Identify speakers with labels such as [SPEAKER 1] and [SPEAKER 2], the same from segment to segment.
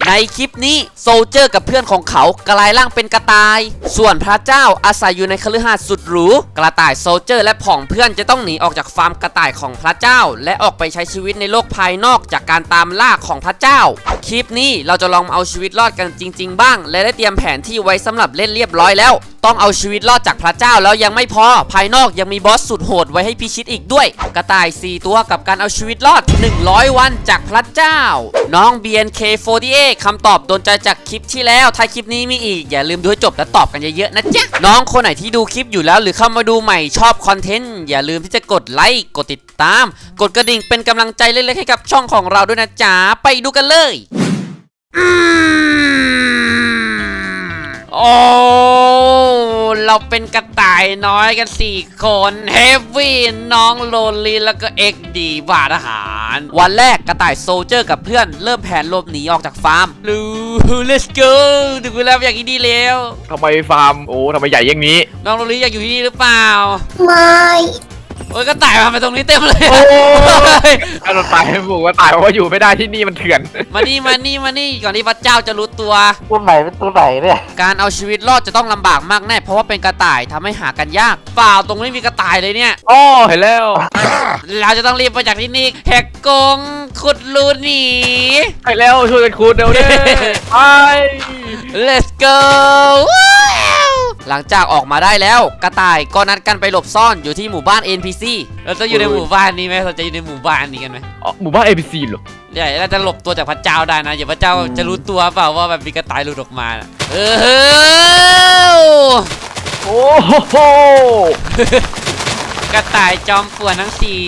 [SPEAKER 1] ในคลิปนี้โซลเจอร์กับเพื่อนของเขากลายร่างเป็นกระต่ายส่วนพระเจ้าอาศัยอยู่ในคฤหาสน์สุดหรูกระต่ายโซลเจอร์และผองเพื่อนจะต้องหนีออกจากฟาร์มกระต่ายของพระเจ้าและออกไปใช้ชีวิตในโลกภายนอกจากการตามล่าของพระเจ้าคลิปนี้เราจะลองเอาชีวิตรอดกันจริงๆบ้างและได้เตรียมแผนที่ไว้สำหรับเล่นเรียบร้อยแล้วต้องเอาชีวิตรอดจากพระเจ้าแล้วยังไม่พอภายนอกยังมีบอสสุดโหดไว้ให้พิชิตอีกด้วยกระต่าย4ตัวกับการเอาชีวิตรอด100วันจากพระเจ้าน้อง BNK48 คำตอบโดนใจจากคลิปที่แล้วถ้าคลิปนี้มีอีกอย่าลืมดูให้จบและตอบกันเยอะๆนะจ๊ะน้องคนไหนที่ดูคลิปอยู่แล้วหรือเข้ามาดูใหม่ชอบคอนเทนต์อย่าลืมที่จะกดไลค์กดติดตามกดกระดิ่งเป็นกำลังใจเล็กๆให้กับช่องของเราด้วยนะจ๊ะไปดูกันเลยโอ้เราเป็นกระต่ายน้อยกัน4คนเฮฟวี่น้องโลลีแล้วก็เอ็กดีบาทหารวันแรกกระต่ายโซลเจอร์กับเพื่อนเริ่มแผนหลบหนีออกจากฟาร์มลู let's go ถึงเวลาอยากที่นี่แล้ว
[SPEAKER 2] ทำไมฟาร์มทำไมใหญ่อย่างนี้
[SPEAKER 1] น้องโลลีอยากอยู่ที่นี่หรือเปล่า
[SPEAKER 3] ไม่
[SPEAKER 1] โอ้ยกระต่ายมาตรงนี้เต็มเลย
[SPEAKER 2] โอ้ยกระต่ายบอกว่าตายเพราะว่าอยู่ไม่ได้ที่นี่มันเถื่อน
[SPEAKER 1] มานี่ก่อนที่พระเจ้าจะรู้ตัว
[SPEAKER 3] ตัวไหนเป็นตัวไหนเนี่ย
[SPEAKER 1] การเอาชีวิตรอดจะต้องลำบากมากแน่เพราะว่าเป็นกระต่ายทำให้หากันยากเปล่าตรงนี้มีกระต่ายเลยเนี่ย
[SPEAKER 2] อ๋อเห็นแล้ว
[SPEAKER 1] เราจะต้องรีบไปจากที่นี่แหกกงขุดรูหนี
[SPEAKER 2] ไปแล้วช่วยกันขุดเร็วเลยไป
[SPEAKER 1] let's go หลังจากออกมาได้แล้วกระต่ายก็นัดกันไปหลบซ่อนอยู่ที่หมู่บ้าน NPC เราจะอยู่ในหมู่บ้านนี้ไหมเราจะอยู่ในหมู่บ้านนี้กันไหม
[SPEAKER 2] หมู่บ้าน NPC เหรอ
[SPEAKER 1] ใช่เราจะหลบตัวจากพระเจ้าได้นะอย่าพระเจ้าจะรู้ตัวเปล่าว่าแบบมีกระต่ายหลุดออกมา
[SPEAKER 2] โอ้โห
[SPEAKER 1] กระต่ายจอมป่วนทั้ง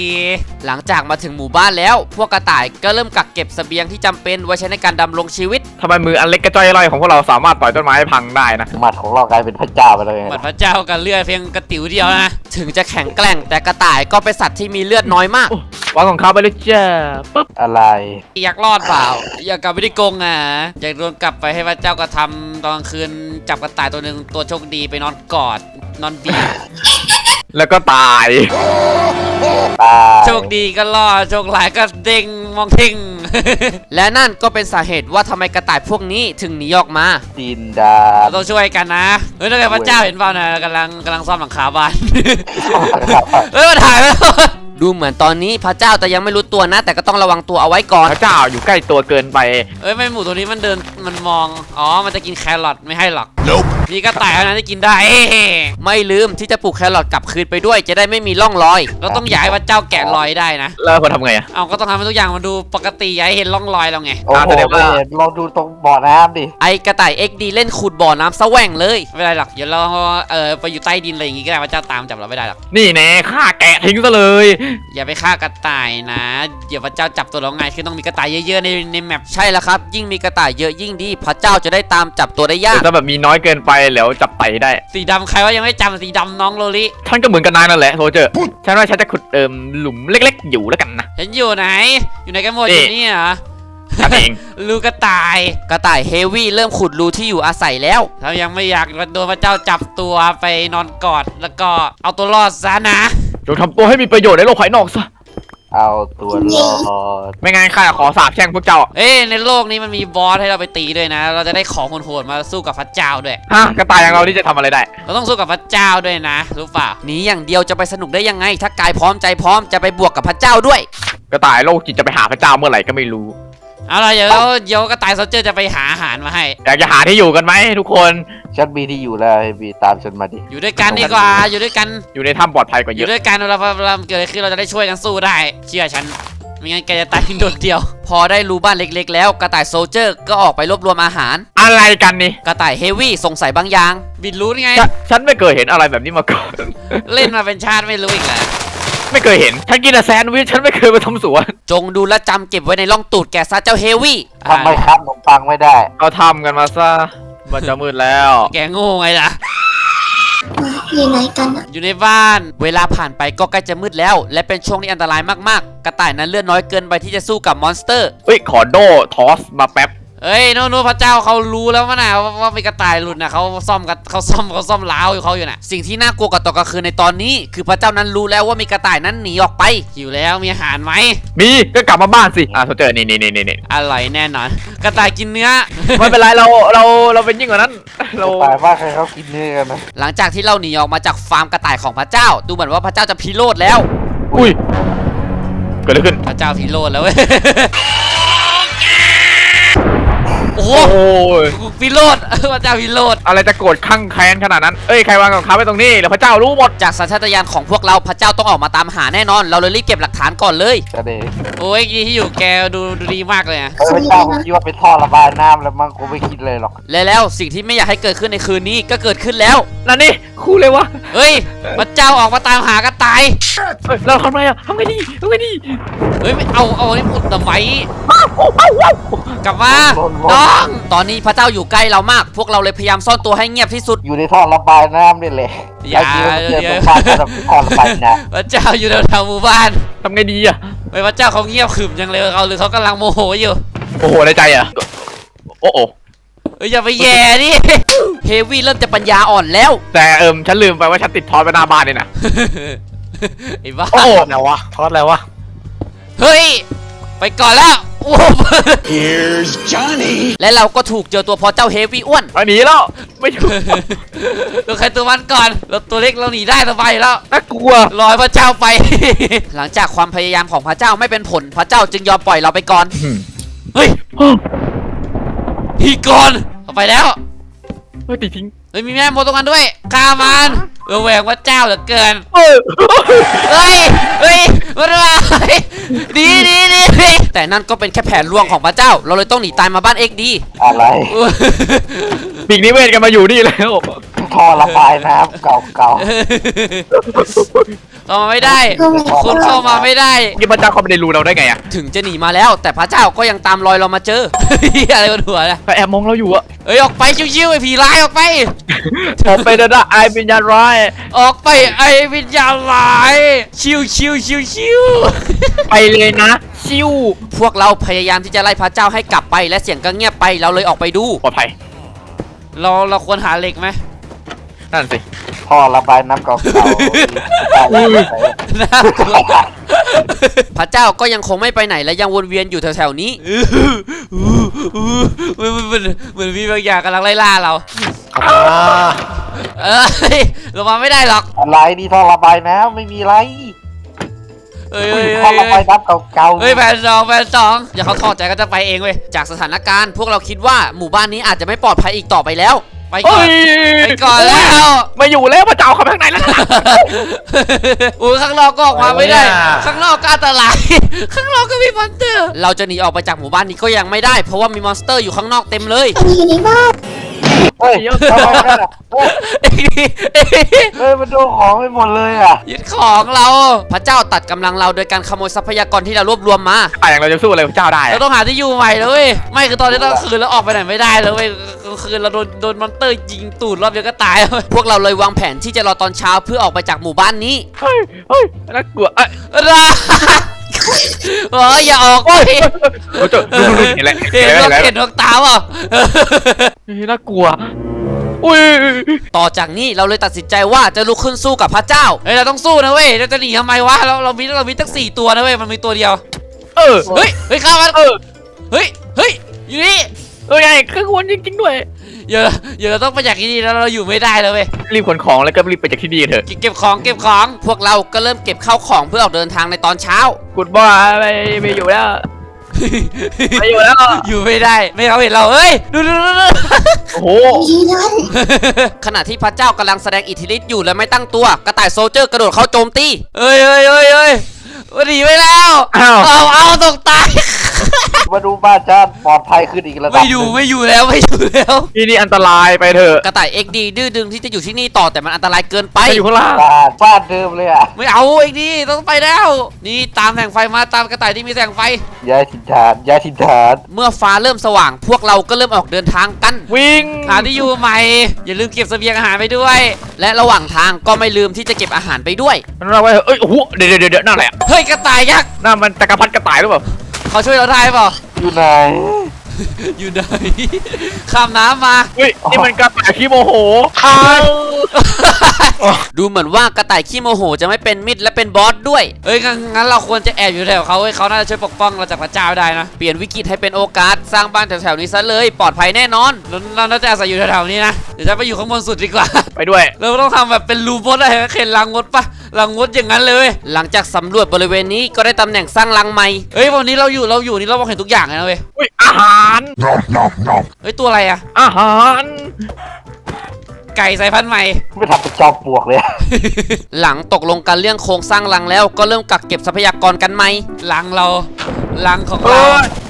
[SPEAKER 1] 4หลังจากมาถึงหมู่บ้านแล้วพวกกระต่ายก็เริ่มกักเก็บเสบียงที่จำเป็นไว้ใช้ในการดำรงชีวิต
[SPEAKER 2] ทำไมมืออันเล็กกระจ้อยร่อยของพวกเราสามารถต่อยต้นไม้ให้พังได้นะ
[SPEAKER 3] หมัดของเรากลายเป็นพระเจ้าไปเลย
[SPEAKER 1] หมัดพระเจ้ากับเลือดเพียงกระติ๋วเดียวนะถึงจะแข็งแกร่งแต่กระต่ายก็เป็นสัตว์ที่มีเลือดน้อยมาก
[SPEAKER 2] วางของเขาไปเลยจ้า
[SPEAKER 3] ปึ๊บอะไร
[SPEAKER 1] อยากรอดเปล่าอยากกลับไปที่กรงอยากโดนกลับไปให้พระเจ้ากระทำตอนกลางคืนจับกระต่ายตัวหนึ่งตัวโชคดีไปนอนกอดนอนบีบ
[SPEAKER 2] แล้วก็ตาย
[SPEAKER 1] โชคดีก็รอดโชคร้ายก็เด้งมองทิ้งและนั่นก็เป็นสาเหตุว่าทำไมกระต่ายพวกนี้ถึงหนีออกมา
[SPEAKER 3] ดินดา
[SPEAKER 1] เราต้องช่วยกันนะถ้าเกิดพระเจ้าเห็นเปล่านะกำลังซ่อมหลังคาบ้านมาถ่ายแล้วดูเหมือนตอนนี้พระเจ้าแต่ยังไม่รู้ตัวนะแต่ก็ต้องระวังตัวเอาไว้ก่อน
[SPEAKER 2] พระเจ้าอยู่ใกล้ตัวเกินไป
[SPEAKER 1] ไม่หมูตัวนี้มันเดินมันมองมันจะกินแครอทไม่ให้หรอกนี่ก็ต่ายนะที่กินได้ไม่ลืมที่จะปลูกแครอทกลับคืนไปด้วยจะได้ไม่มีร่องรอยเราต้องย้ายพระเจ้าแกะรอยได้นะ
[SPEAKER 2] แล้วควรทำไง
[SPEAKER 1] ก็ต้องทำให้ทุกอย่างมันดูปกติอย่าให้เห็นร่องรอยเราไง
[SPEAKER 3] โอ้โหลองดูตรงบ่อน้ำดิ
[SPEAKER 1] ไอกระต่าย XD เล่นขุดบ่อน้ำซะแหว่งเลยไม่ได้หรอกเดี๋ยวเราไปอยู่ใต้ดินอะไรอย่างงี้ก็ได้พระเจ้าตามจับเราไม่ได้หรอก
[SPEAKER 2] นี่แน่ฆ่าแกะทิ้งซะเลย
[SPEAKER 1] อย่าไปฆ่ากระต่ายนะเดี๋ยวพระเจ้าจับตัวเราง่ายคือต้องมีกระต่ายเยอะๆในแมปใช่แล้วครับยิ่งมีกระต่ายเยอะยิ่งดีพระเจ้าจะได้ตามจับตัวได้ยาก
[SPEAKER 2] แต่แบบมีน้อยเกินไปแล้วจับไตได้
[SPEAKER 1] สีดำใครว่ายังไม่จำสีดำน้องโลลิ
[SPEAKER 2] ท่านก็เหมือนกันนายนั่นแหละโซเจอร์ฉันว่าฉันจะขุดหลุมเล็กๆอยู่แล้วกันนะ
[SPEAKER 1] ฉันอยู่ไหนอยู่ไหนกันหมดอยู่นี่เหรอ
[SPEAKER 2] เอง
[SPEAKER 1] รูกระต่ายเฮฟวี่เริ่มขุดรูที่อยู่อาศัยแล้วถ้ายังไม่อยากโดนพระเจ้าจับตัวไปนอนกอดแล้วก็เอาตัวรอดซะนะ
[SPEAKER 2] จงทำตัวให้มีประโยชน์ในโลกภายนอกซะ
[SPEAKER 3] เอาตัวรอด
[SPEAKER 2] ไม่งั้นข้าขอสาบแช่งพวกเจ้า
[SPEAKER 1] ในโลกนี้มันมีบอสให้เราไปตีด้วยนะเราจะได้ของโหดๆมาสู้กับพระเจ้าด้วย
[SPEAKER 2] กระต่ายอย่างเราที่จะทำอะไรได้
[SPEAKER 1] เราต้องสู้กับพระเจ้าด้วยนะรู้เปล่าหนีอย่างเดียวจะไปสนุกได้ยังไงถ้ากายพร้อมใจพร้อมจะไปบวกกับพระเจ้าด้วย
[SPEAKER 2] กระต่ายโลกจิตจะไปหาพระเจ้าเมื่อไหร่ก็ไม่รู้
[SPEAKER 1] เอาล่ะเดี๋ยวกระต่ายโซลเจอร์จะไปหาอาหารมาให้
[SPEAKER 2] อยากจะหาที่อยู่กันไหมทุกคน
[SPEAKER 3] ฉันมีที่อยู่แล้วบีตามฉันมาดิ
[SPEAKER 1] อยู่ด้วยกันดีกว่าอยู่ด้วยกัน
[SPEAKER 2] อยู่ในถ้ำปลอดภัยกว่าเยอะ
[SPEAKER 1] อยู่ด้วยกันเราเกิดอะไรขึ้นเราจะได้ช่วยกันสู้ได้เชื่อฉันไม่งั้นแกจะตายโดดเดียวพอได้รู้บ้านเล็กๆแล้วกระต่ายโซลเจอร์ก็ออกไปรวบรวมอาหาร
[SPEAKER 2] อะไรกันนี่
[SPEAKER 1] กระต่ายเฮฟวี่สงสัยบางอย่างบิดรู้ไง
[SPEAKER 2] ฉันไม่เคยเห็นอะไรแบบนี้มาก่อน
[SPEAKER 1] เล่นมาเป็นชาติไม่รู้อีกแล้ว
[SPEAKER 2] ไม่เคยเห็นฉันกินแต่แซนด์วิชฉันไม่เคยไปทำสวน
[SPEAKER 1] จงดูและจำเก็บไว้ในร่องตูดแกซะเจ้าเฮฟวี่
[SPEAKER 3] ทำไมครับขนมปังไม่ได้
[SPEAKER 2] เราทำกันมาซะมันจะมืดแล้ว
[SPEAKER 1] แกโง่ไงล่ะ
[SPEAKER 3] อยู่ไหนกัน
[SPEAKER 1] อยู่ในบ้านเวลาผ่านไปก็ใกล้จะมืดแล้วและเป็นช่วงที่อันตรายมากๆกระต่ายนั้นเลือดน้อยเกินไปที่จะสู้กับมอนสเตอร์
[SPEAKER 2] ขอโดทอสมาแป๊บ
[SPEAKER 1] เอ้ยโน่นพระเจ้าเขารู้แล้วมั้งนะว่ามีกระต่ายหลุดนะเขาซ่อมล้าวอยู่เขาอยู่น่ะสิ่งที่น่ากลัวกับตอนกลางคืนในตอนนี้ คือพระเจ้านั้นรู้แล้วว่ามีกระต่ายนั้นหนีออกไปหิวแล้วมีอาหารไหม
[SPEAKER 2] มีก็กลับมาบ้านสิโซเจอร์นี่
[SPEAKER 1] อร่อยแน่นอนกระต่ายกินเนื้อ
[SPEAKER 2] ไม่เป็นไรเราเป็นยิ่งกว่านั้นเรา
[SPEAKER 3] ตายบ้านใครเขากินเนื้อกันนะ
[SPEAKER 1] หลังจากที่เราหนีออกมาจากฟาร์มกระต่ายของพระเจ้า ดูเหมือนว่าพระเจ้าจะพิโรธแล้ว
[SPEAKER 2] อุ้ยเกิดอะไรขึ้น
[SPEAKER 1] พระเจ้าพิโรธแล้วเว้ย โอ้โห
[SPEAKER 2] โอ้ย
[SPEAKER 1] พิโรธ พระเจ้าพิโรธ
[SPEAKER 2] อะไรจะโกรธข้างแค้นขนาดนั้นเอ้ยใครวางกับเขาไว้ตรงนี้แล้วพระเจ้ารู้หมด
[SPEAKER 1] จากสัญชาตญาณของพวกเราพระเจ้าต้องออกมาตามหาแน่นอน เราเลยรีบเก็บหลักฐานก่อนเลย
[SPEAKER 3] จะเด็ก
[SPEAKER 1] โอ้ยที่อยู่แกดูดีมากเลยอะ
[SPEAKER 3] พระเจ้าผมคิดว่าเป็นท่อระบายน้ำแล้วมั้งกูไม่คิดเลยหรอก
[SPEAKER 1] และแล้วสิ่งที่ไม่อยากให้เกิดขึ้นในคืนนี้ก็เกิดขึ้นแล้ว
[SPEAKER 2] นั่นนี่คู่เลยวะ
[SPEAKER 1] เฮ้ยพระเจ้าออกมาตามหากระต่าย
[SPEAKER 2] เอ้ยเราทำไงอะทำไงดี
[SPEAKER 1] เฮ้ยไม่เอานี่อุดทำไม
[SPEAKER 2] อ้าวอ้าวอ้าว
[SPEAKER 1] กลับมาน้องตอนนี้พระเจ้าอยู่ใกล้เรามาก พวกเราเลยพยายามซ่อนตัวให้เงียบที่สุด
[SPEAKER 3] อยู่ในท่อระบายน้ำนี่แหละ
[SPEAKER 1] อย่า
[SPEAKER 3] ไอ้ที่มันเจอตรงบ้านแบบท่อระบายน้
[SPEAKER 1] พระเจ้าอยู่แถวๆหมู่บ้าน
[SPEAKER 2] ทำไงดีอะ
[SPEAKER 1] เฮ้ยพระเจ้าเขาเงียบขรึมจังเลยเขาหรือเขากำลังโมโหอยู่
[SPEAKER 2] โอ้โหในใจอะโอ้โห
[SPEAKER 1] เฮ้ยอย่าไปแย่ดิเฮฟวี่เริ่มจะปัญญาอ่อนแล้ว
[SPEAKER 2] แต่ฉันลืมไปว่าฉันติดทอดไปหน้าบ้านเลยนะ
[SPEAKER 1] ไอ้บ้า
[SPEAKER 2] โอ้โห
[SPEAKER 4] อะไรวะทอดอะไรวะ
[SPEAKER 1] เฮ้ยไปก่อนแล้วโอ้โห
[SPEAKER 4] Here's Johnny
[SPEAKER 1] และเราก็ถูกเจอตัวพอเจ้าเฮฟวี่อ้วน
[SPEAKER 2] ไปหนีแล้วไม่ถูก
[SPEAKER 1] ตัวใครตัวมันก่อนเราตัวเล็กเราหนีได้สบายแล้ว
[SPEAKER 2] น่ากลัว
[SPEAKER 1] รอให้พระเจ้าไป หลังจากความพยายามของพระเจ้าไม่เป็นผล พระเจ้าจึงยอมปล่อยเราไปก่อน เฮ้ยพี่ก่อนเอาไปแล้ว
[SPEAKER 2] เฮ้ยตีทิ้ง
[SPEAKER 1] เฮ้ยมีแม่มดตรงนั้นด้วยฆ่ามันแหวงพระเจ้าเหลือเกิน
[SPEAKER 2] เออ
[SPEAKER 1] เฮ้ยมันมาดีแต่นั่นก็เป็นแค่แผนลวงของพระเจ้า เราเลยต้องหนีตายมาบ้านเอ็กดี
[SPEAKER 3] ำอะไร
[SPEAKER 2] ปีกนิเวศกันมาอยู่นี่แล้ว
[SPEAKER 3] ท่อระบายน้ำเก่า
[SPEAKER 1] เข้ามาไม่ได้คุณเข้ามาไม่ได้
[SPEAKER 2] นี่พระเจ้าเขาไม่ได้รู้เราได้ไงอะ
[SPEAKER 1] ถึงจะหนีมาแล้ว แต่พระเจ้าก็ยังตามรอยเรามาเจอ อะไรบนหัวนะ
[SPEAKER 2] เขาแอบมองเราอยู่อะ
[SPEAKER 1] เอ้ยออกไปชิวๆไอ้ผีร้ายออกไป
[SPEAKER 2] ผมไปเดินไอวิญญาณร้าย
[SPEAKER 1] ออกไปไอ้วิญญาณร้ายชิว
[SPEAKER 2] ไปเลยนะชิว
[SPEAKER 1] พวกเราพยายามที่จะไล่พระเจ้าให้กลับไปและเสียงก็เงียบไปเราเลยออกไปดู
[SPEAKER 2] ปลอดภัย
[SPEAKER 1] เราควรหาเหล็กไหม
[SPEAKER 2] นั่นสิ
[SPEAKER 3] ๆท่อระบายน้ำเก่าๆ
[SPEAKER 1] น่ากลัวพระเจ้าก็ยังคงไม่ไปไหนและยังวนเวียนอยู่แถวๆนี้เหมือนมีบางอย่างกำลังไล่ล่าเราเรามาไม่ได้หรอก
[SPEAKER 3] อะไรนี่ท่อระบายน้ำไม่มีไร
[SPEAKER 1] เอ้ย
[SPEAKER 3] ท่อระบายน้ำเก่าๆ
[SPEAKER 1] เฮ้ยแผนสองอย่าเขาถอดใจก็จะไปเองเว้ยจากสถานการณ์พวกเราคิดว่าหมู่บ้านนี้อาจจะไม่ปลอดภัยอีกต่อไปแล้วไปก่อนไปก่อนแล้ว
[SPEAKER 2] ไม่อยู่แล้วพระเจ้าเข้าไปข้างในแล้วนะ
[SPEAKER 1] อุ้ยข้างนอกก็ออกมาไม่ได้ ข้างนอกก็อันตราย ข้างนอกก็มีมอนสเตอร์ เราจะหนีออกไปจากหมู่บ้านนี้ก็ยังไม่ได้เพราะว่ามีมอนสเตอร์อยู่ข้างนอกเต็มเลย
[SPEAKER 3] เฮ้ยทำไมนั่นอ่ะเฮ้ยมันโดนของไปหมดเลยอ่ะ
[SPEAKER 1] ยึดของเราพระเจ้าตัดกำลังเราโดยการขโมยทรัพยากรที่เรารวบรวมมา
[SPEAKER 2] อย่างเราจะสู้อะไรพระเจ้าได้
[SPEAKER 1] เราต้องหาที่อยู่ใหม่เลยไม่คือตอนนี้ต้องคืนแล้วออกไปไหนไม่ได้เลยเว้ยกลางคืนเราโดนมอนสเตอร์ยิงตูดรอบเดียวก็ตายพวกเราเลยวางแผนที่จะรอตอนเช้าเพื่อออกไปจากหมู่บ้านนี้
[SPEAKER 2] เฮ้ยน่ากลัว
[SPEAKER 1] ราอย่าออกไป
[SPEAKER 2] โอ้โหเห็นแล้ว
[SPEAKER 1] เห็นนกตาเปล่า
[SPEAKER 2] น่ากลัวอุ้ย
[SPEAKER 1] ต่อจากนี้เราเลยตัดสินใจว่าจะลุกขึ้นสู้กับพระเจ้าเฮ้ยเราต้องสู้นะเว้ยเราจะหนีทำไมวะเรามีตั้ง4ตัวนะเว้ยมันมีตัวเดียว
[SPEAKER 2] เออ
[SPEAKER 1] เฮ้ยข้ามันเฮ้ยอยู่นี่
[SPEAKER 2] ไงคือควรจริงๆด้วย
[SPEAKER 1] เดี๋ยวเราต้องไปจากที่นี่แล้วเราอยู่ไม่ได้เลยเว้ย
[SPEAKER 2] รีบขนของแล้วก็รีบไปจากที่นี่เถอะ
[SPEAKER 1] เก็บของพวกเราก็เริ่มเก็บข้าวของเพื่อออกเดินทางในตอนเช้า
[SPEAKER 2] กุดบ้าไม่อยู่แล้วไม่อยู่แล้ว
[SPEAKER 1] อยู่ไม่ได้ไม่เขาเห็นเราเฮ้ยดู
[SPEAKER 2] โอ้โห
[SPEAKER 1] ขณะที่พระเจ้ากำลังแสดงอิทธิฤทธิ์อยู่และไม่ตั้งตัวกระต่ายโซลเจอร์กระโดดเข้าโจมตีเฮ้ยหนีไปแล้วเอาตกตาย
[SPEAKER 3] มาดูบ้านจ้าปลอดภัยขึ้นอีกระดับ
[SPEAKER 1] ไม่อยู่แล้ว
[SPEAKER 2] ที่นี่อันตรายไปเถอะ
[SPEAKER 1] กระต่ายเอ็กดีดื้อดึงที่จะอยู่ที่นี่ต่อแต่มันอันตรายเกินไป
[SPEAKER 2] ไปอยู่ข้างล่าง
[SPEAKER 3] บ้านเดิมเลยอ่ะ
[SPEAKER 1] ไม่เอาเอ็กดีต้องไปแล้ว นี่ตามแสงไฟมาตามกระต่ายที่มีแสงไฟ
[SPEAKER 3] ย้ายถิ่นฐาน
[SPEAKER 1] เมื่อฟ้าเริ่มสว่าง พวกเราก็เริ่มออกเดินทางกัน
[SPEAKER 2] วิ่ง
[SPEAKER 1] หาที่อยู่ใหม่อย่าลืมเก็บเสบียงอาหารไปด้วย และระหว่างทางก็ไม่ลืมที่จะเก็บอาหารไปด้วย
[SPEAKER 2] มันเราไว้เอ้ยโอ้โหเดี๋ยวนั่นแหละ
[SPEAKER 1] เฮ้ยกระต่ายยักษ์
[SPEAKER 2] นั่นมันจักรพรรดิกระต่ายหรือเปล่า
[SPEAKER 1] เขาช่วยเราได้เปล่า
[SPEAKER 3] อยู่ไหน
[SPEAKER 1] อยู่ไหนข้ามน้ำมา
[SPEAKER 2] เฮ้ยนี่มันกระต่ายขี้โมโห
[SPEAKER 1] ดูเหมือนว่ากระต่ายขี้โมโหจะไม่เป็นมิตรและเป็นบอสด้วยเอ้ยงั้นเราควรจะแอบอยู่แถวเขาเขาน่าจะช่วยปกป้องเราจากพระเจ้าได้นะเปลี่ยนวิกฤตให้เป็นโอกาสสร้างบ้านแถวๆนี้ซะเลยปลอดภัยแน่นอนเราน่าจะอาศัยอยู่แถวๆนี้นะเดี๋ยวจะไปอยู่ข้างบนสุดดีกว่า
[SPEAKER 2] ไปด้วย
[SPEAKER 1] เราต้องทำแบบเป็นรูมดอะไรเข็นรังมดปะรังมดอย่างนั้นเลย หลังจากสำรวจบริเวณนี้ก็ได้ตำแหน่งสร้างรังใหม่เฮ้ยวันนี้เราอยู่นี่เรามองเห็นทุกอย่างเลยนะเว้ย
[SPEAKER 2] อุ้ยอาหาร
[SPEAKER 1] เฮ้ยตัวอะไรอะ
[SPEAKER 2] อาหาร
[SPEAKER 1] ไก่สายพันธุ์ใหม่
[SPEAKER 3] ไม่ทำเป็นจอมปลวกเลย
[SPEAKER 1] หลังตกลงกันเรื่องโครงสร้างรังแล้วก็เริ่มกักเก็บทรัพยากรกันไหมรังของ
[SPEAKER 2] เฮ้
[SPEAKER 1] เรา
[SPEAKER 2] ยไป